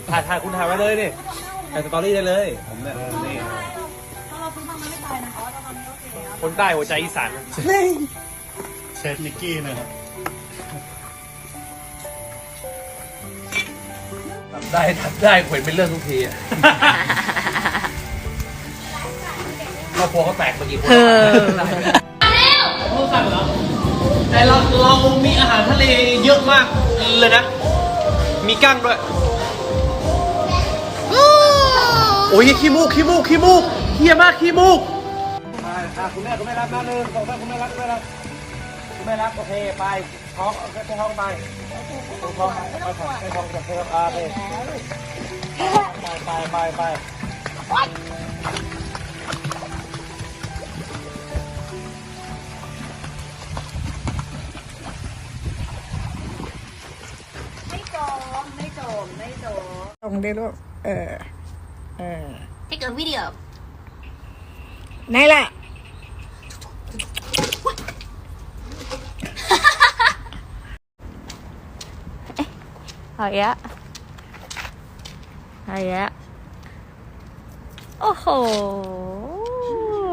ถ่ายคุณถ่ายไว้เลยนี่ถ่ายสตอรี่ได้เลยผมเนี่ยนี่คนใต้หัวใจอีสานเชฟนิกกี้นะครับทำได้เห็นเป็นเรื่องทุกทีอ่ะครอบครัวเขาแตกมากี่คนโอ้สั่งเหรอแต่เรามีอาหารทะเลเยอะมากเลยนะมีกั้งด้วยโอ้ยขี้มูกเฮี้ยมากขี้มูกคุณแม่รับนะ1 2 3คุณแม่รับโอเคไปท้องไปท้องไปท้องไปท้องจะเพิ่มไปตรงได้ลูก Take a video ไหนล่ะเอาอีกโอ้โห